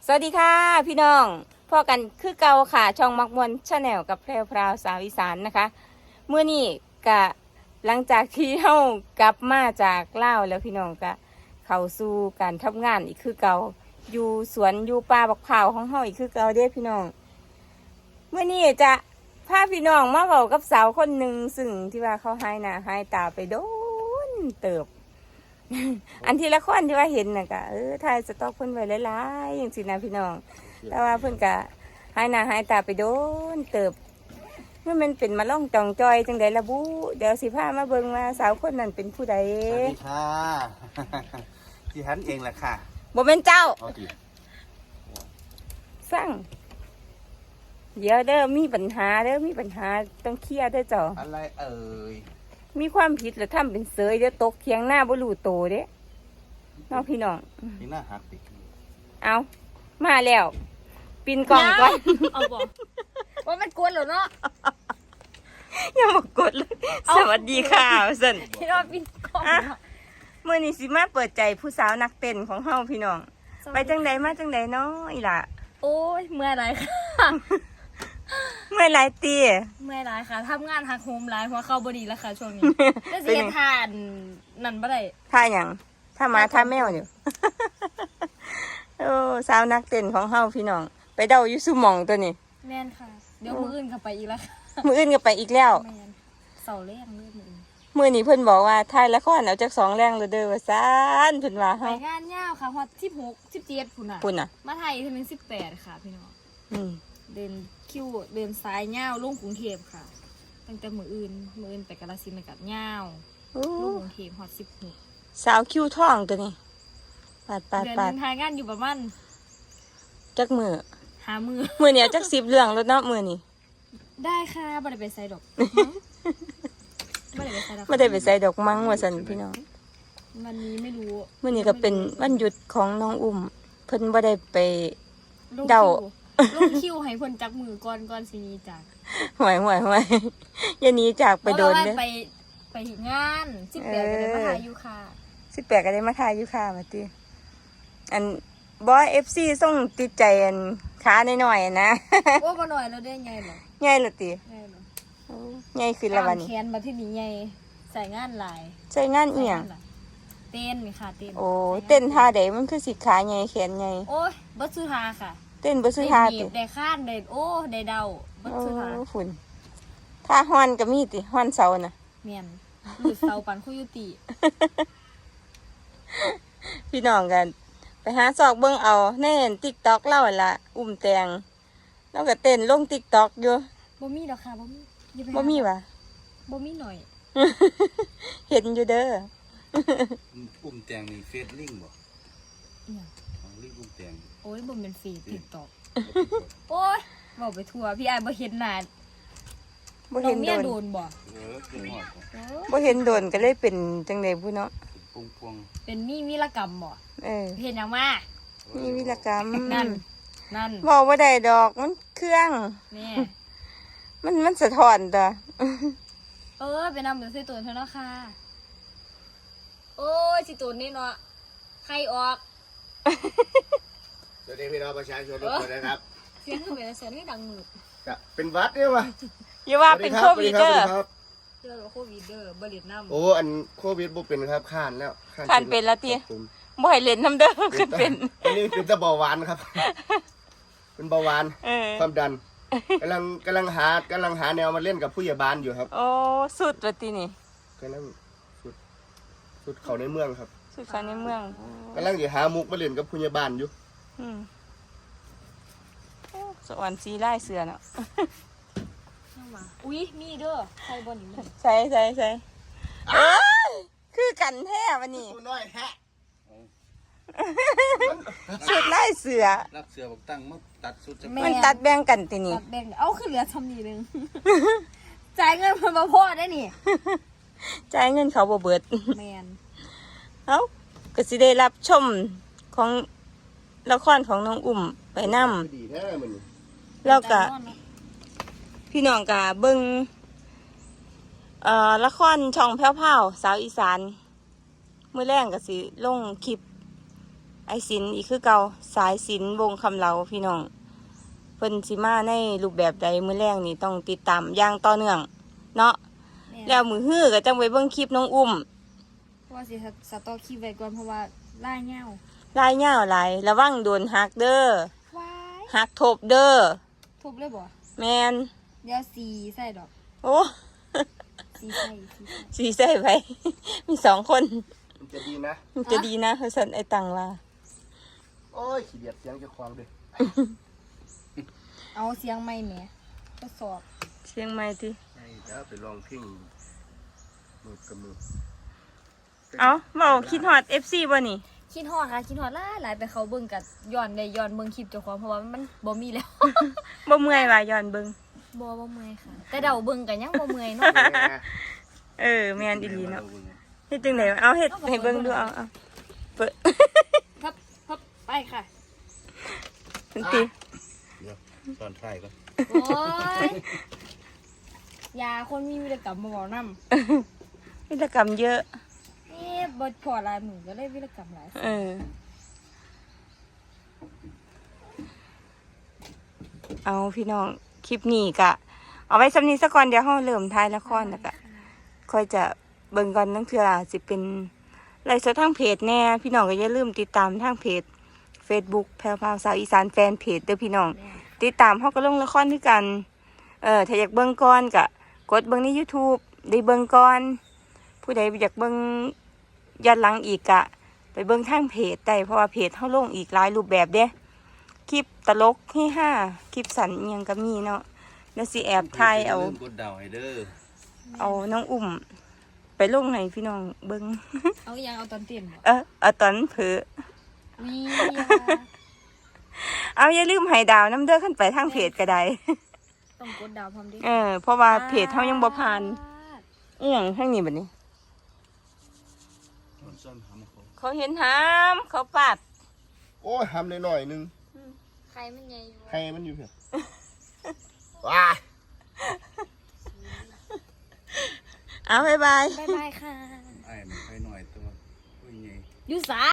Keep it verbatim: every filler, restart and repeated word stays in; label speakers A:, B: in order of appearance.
A: สวัสดีค่ะพี่น้องพ่อกันคือเก่าค่ะช่องมักมวนชาแนลกับแพรวพราวสาวอีสานนะคะเมื่อนี้กะหลังจากที่เฮากลับมาจากลาวแล้วพี่น้องกะเข้าสู่การทำงานอีกคือเก่าอยู่สวนอยู่ป่าบักเผาวของเฮาอีกคือเก่าเด้พี่น้องเมื่อนี้จะพาพี่น้องมาเว้ากับสาวคนหนึ่งซึ่งที่ว่าเขาหายหน้าหายตาไปโดนเติบ อันที่ละครที่ว่าเห็นน่ะกะเออถ่ายสต็อกเพิ่นไว้หลายๆอย่างสินะพี่น้องแต่ว่าเพิ่นกะหายหน้าหายตาไปโดนเติบเมื่อมันเป็นมาล่องจองจอยจังไดละบุเดี๋ยวสิพามาเบิ่งว่าสาวคนนั้นเป็นผู้ใด
B: สวัสดีค่ะ ที่ฉันเองแหละค่ะ
A: บ่แม่นเจ้า
B: เอาดิ
A: สั่งเดี๋ยวเด้อมีปัญหาเด้อมีปัญหาต้องเคลียร์เด้อเจ้า
B: อะไรเอ่ย
A: มีความผิดหรือทำเป็นเสยเดี๋ยวตกเคียงหน้าบ่รู้โตเด้น้องพี่น้อง
B: นี่หน้าหักติ
A: เอามาแล้วปินกล่องก่อน
C: เอาบอกว่ามันกวนเหรอเนาะ
A: อย่ามากดเลย สวัสดีค่ะสัน
C: ที่เราปีนกล้องเนาะ
A: เมื่อนี้สิมาเปิดใจผู้สาวนักเต้นของเฮาพี่น้อง ไปจังใดมาจังใดเนาะอีหล่ะ
C: โอ้ยเมื่อยไรค่ะ
A: เมื่อไรตี
C: เมื่อยไรค่ะทำงานหักโฮมไลฟ์หัวเข้าบดีแล้วค่ะช่วงนี้จะเสียทานนั่นบ่ได้
A: ท่าหยังท่าหมาท่าแมวอยู่ โอ้สาวนักเต้นของเฮาพี่น้อง ไปเดาอยู่ซุหมองตัวนี้
C: แม่นค่ะ เดี๋ยวมืออื่นก็ไปอีกแล้วค่ะ
A: มื้ออื่นก็ไปอีกแล้ว
C: แม่นเสาแรงเลยมืออื่น
A: มื้อนี้เพิ่นบอกว่าถ่ายละครเอาจักสองแรงเลยเด้อว่าซ่านเพิ่นว่า
C: ไป
A: เฮาง
C: านยาวค่ะฮอตสิบหกสิบเจ็ดพุ่นอ่ะ
A: ปุ่นน่ะ
C: มาไทยถึงสิบแปดค่ะพี่น้อง
A: อืม
C: เดินคิวเดินซ้ายยาวลงกรุงเทพค่ะ ตั้งแต่มืออื่นมืออื่นไปกาฬสินธุ์ไปกับยาว
A: โอ้
C: ลงกรุงเทพฮอตสิบหก
A: สาวคิ้วทองตัวนี้ปาดปาด
C: เดือน
A: ปา
C: ห
A: ด
C: นึงทายงานอยู่ประมาณ
A: จักมือ
C: หามือ
A: มือเนี้ยจักสิบเรื่องแล้วเนาะมือนี้
C: ได้ค่ะบ่ได้ไปไซดอกบ่ได้ไปไซดอก
A: ไม่ได้ไปใส่ดอกมังว่าสันพี่น้อง
C: วันนี้ไม่รู้
A: มือนี้ก็เป็นวันหยุดของน้องอุ้มเพิ่นบ่ได้ไป
C: ลง
A: เดา
C: คิวลงคิวให้เพิ่นจักมือก่อนก่อนสิหนี้จาก
A: หวยหวยหวยอย่าหนี้จากไปโดน
C: เพ
A: เด้
C: ราะว่าไปไปงานสิบแปดก็ได้มาหาอยู่ค่ะ
A: สิบแปดก็ได้มาทายอยู่ค่ะมาติอันบอยเอฟซีส่งติดใจอันขาหน่อยๆนะ
C: โอ้บ่หน่อยแล้วได้ไงเหรอ
A: ใหญ่ละติ
C: ไงเหรอ
A: โอ้ใหญ่ขึ้นแล้ววัน
C: แข
A: นี้
C: นมาที่นี่ไงใส่งานหลาย
A: ใช้งานอีหยัง
C: ใส่งานหลายเต้นนี่ค่ะเต้น
A: โอ้เต้นท่าใดมันคือสิขาใหญ่แขนใหญ่
C: โอ้ยบ่ซื้อทาค่ะ
A: เต้นบ่ซื้อท่า
C: ได้หนี
A: ติ
C: บได้ข้านได้โอ้ได้เดาบ่
A: โอ้
C: ซื้อทา
A: ฝุ่นท่าฮ้อนก็มีติฮ้อนเสาน่ะ
C: แม่นหลุดเสาปันคุยุติ
A: พี่น้องกันไปหาซอกเบิ่งเอาแน่น TikTok เล่าหั่นล่ะอุ้มแตงแล้วก็เต้นลง TikTok อยู่
C: บ่มีดอกค่ะบ่มีอย่าไปหา
A: บ่มีวะ
C: บ่มีหน่อย
A: เห็นอยู่เด้อ
B: อุ้มแตงนี่เฟซลิงก์บ่
C: อิหยัง
B: ของลิงก์อุ้มแตง
C: โอ้ยบ่เป็นฟีดติ๊กต็อกโอ้ยบอกไปทั่วพี่อายบ่เห็นหน้า
A: บ่
C: น้อ
A: เห็
C: ง
A: น
C: เมี
A: โด
C: ย
A: น
C: โดนบ่
B: เออเป็นหอดบ่
C: เออ
A: บ่เห็นโดนก็เลยเป็นจังได๋ผู้เนาะ
B: พวงพวง
C: เป็นมีวีรกรรมบ่
A: เออ
C: เห็นหยังมา
A: มีวิรกรรม
C: นั่นนั่น
A: บอกว่าได้ดอกมันเครื่อง
C: แม่
A: มันมันสะท้อนตัว
C: เออไปนำเดี๋ยวใส่ตัวเธอเนาะค่ะโอ้ยสิตัวนี้เนาะใครออก
B: สวัสดีพี่น้องประชาชนทุกคนนะครับ
C: เสียงคือเป็นเสียงที่ดังหนึบ
B: จะเป็นวัดเนี่ยวะ
A: อย่าว่าเป็นโควิดเด้อ
B: ครับ
C: เจอโควิดเด้อบ่เล่นน้ำ
B: โอ้อันโควิดบ่เป็นครับข้านแล้ว
A: คันเป็นละติ
B: ครับผม
A: บ่ให้เล่นน้ำเด้อขึ้นเป็น
B: อันนี้เป็นตะเบาหวานครับ เป็นเบาหวาน
A: เออ
B: ความดันกำลังกำลังหากำลังหาแนวมาเล่นกับผู้ใหญ่บ้านอยู่ครับ
A: โอ้สุดว่าตินี่
B: กำลังสุดสุดเขาในเมืองครับ
A: สุดเขาในเมือง
B: กำลังจะหามุกมาเล่นกับผู้ใหญ่บ้านอยู่
A: อืมโอ้สวรรค์สีไล่เสือเนาะ
C: ยังมาอุ้ยมีเด้อใครบ่นี่มัน
A: ใส่ใส่ใส่เอ้ยคือกันแท้วันนี้
B: ตัวน้อยแฮะ
A: สุดไล่เสือ
B: รับเสือบอกตั้งมาตัดสุดจะ
A: มันตัดแบ่งกันตินี่
C: ตัดแบ่งเอาขึ้นเหลือทำนี่นึง จ่ายเงินเพิ่นบ่พอได้นี่
A: จ่ายเงินเขาบ่เบิด
C: แมน
A: เอ้าก็สิได้รับชมของละครของน้องอุ้มไปนำ
B: ดีแท้มัน
A: แล้วก็พี่น้องก็เบิ่งเอ่อละครช่องแพ้วๆสาวอีสานมื้อแรงก็สิลงคลิปไอศิลป์อีกคือเก่าสายศิลป์วงคำเหลาพี่น้องเพิ่นสิมาในรูปแบบใดมื้อแรกนี่ต้องติดตามอย่างต่อเนื่องเนาะ
C: แม่น
A: แล้วมือฮื้อก็จังไปเบิ่งคลิปน้องอุ้ม
C: เพราะว่าสิสต็อกคลิปไว้ก่อนเพราะว่าล่ายเงา
A: ลายยาวหลายระวังโดนหักเด้อ
C: ว้าย
A: หักทบเด้อ
C: ทุบเลยบ่
A: แมน
C: เดี๋ยวสีใส่ดอก
A: โอ้
C: สีใส่สีใส่
A: สีใส่ไป มีสองคน
B: มันจะดีนะ
A: มันจะดีนะเฮาสันไอตังว่า
B: โอ้ยขี้เดียดเสียงเจะควางด้วย
C: เอาเสียงไม่แหมทดสอบ
A: เชียงใหม่ติ
B: ไอ้เดี๋ยวไปลองเพ่งมือกับมือ
A: เอาเว้าคิดฮอด เอฟ ซี บ่นี่
C: คิดฮอดค่ะคิดฮอดหลายหลายไปเขาเบิ่งกับย้อนได้ย้อนเบิ่งคลิปเจ้าของเพราะว่ามันบ่มีแล้ว
A: บ่เมื่อยว่าย้อนเบิ่ง
C: บ่บ่เมื่อยค่ะ แต่เดาเบิ่งก็ยังบ่เมื่อยเนาะ
A: เออแม่นอีหลีเนาะเฮ็ดจังได๋เอาเฮ็ดให้เบิ่งดูเอาเอาเปิด
C: พับพับไปค่ะ
A: ทันที
B: เดี๋ยวตอนท้ายก่อน
C: โอ้ยยาคนมีวิรกรรมมาบอกนำ
A: วิรกรรมเยอะ
C: เอ๊ะบ่พอหลายมื้อก็เลยวิรกรรมหลาย
A: เออ เอาพี่น้องคลิปนี้กะ เอาไว้สำนี้ซะก่อนเดี๋ยวเราเริ่มถ่ายละครแล้วก็ค่อยจะเบิ่งก่อนนั่นคืออาจสิเป็นไลฟ์สดทางเพจแน่พี่น้องก็อย่าลืมติดตามทางเพจ Facebook แพรวพราวสาวอีสานแฟนเพจเด้อพี่น้อง ติดตามเฮาก็ลงละครด้วยกัน เออถ้าอยากเบิ่งก่อนก็กดเบิ่งใน YouTube ได้เบิ่งก่อน ผู้ใดอยากเบิ่งย้อนหลังอีกก็ไปเบิ่งทางเพจได้เพราะว่าเพจเฮาลงอีกหลายรูปแบบเด้คลิปตลกเฮฮาคลิปสั้นอิหยังก็มีเนาะแล้วสิแอบถ่ายเอา
D: ลืมกดดาวให้เด้อ
A: เอาน้องอุ้ม ไปลงให้พี่น้องเบิ่ง
C: เอาอีหยังเอาตอนเต้นบ่
A: เออเอาตอนเผลอ
C: มียา
A: เอาอย่าลืมให้ดาวน้ำเด้อขึ้นไปทางเพจก็ได้
C: ต้องกดดาวพร้อมดิ
A: เออเพราะว่าเพจเฮายังบ่ผ่านอีหยังทางนี้บัดนี้
D: มันซ่อนหำเขา
A: เขาเห็นหามเขาปัด
B: โอ้ยทำหน่อยๆนึง
C: ใครมันใหญ่อยู่
B: ให้มันอยู่เพียว้า
A: เอาบ๊ายบาย
C: บ๊ายบายค่ะ
D: ไอ้มันไปหน่อยตัวผู้ใหญ่
C: อยู่สา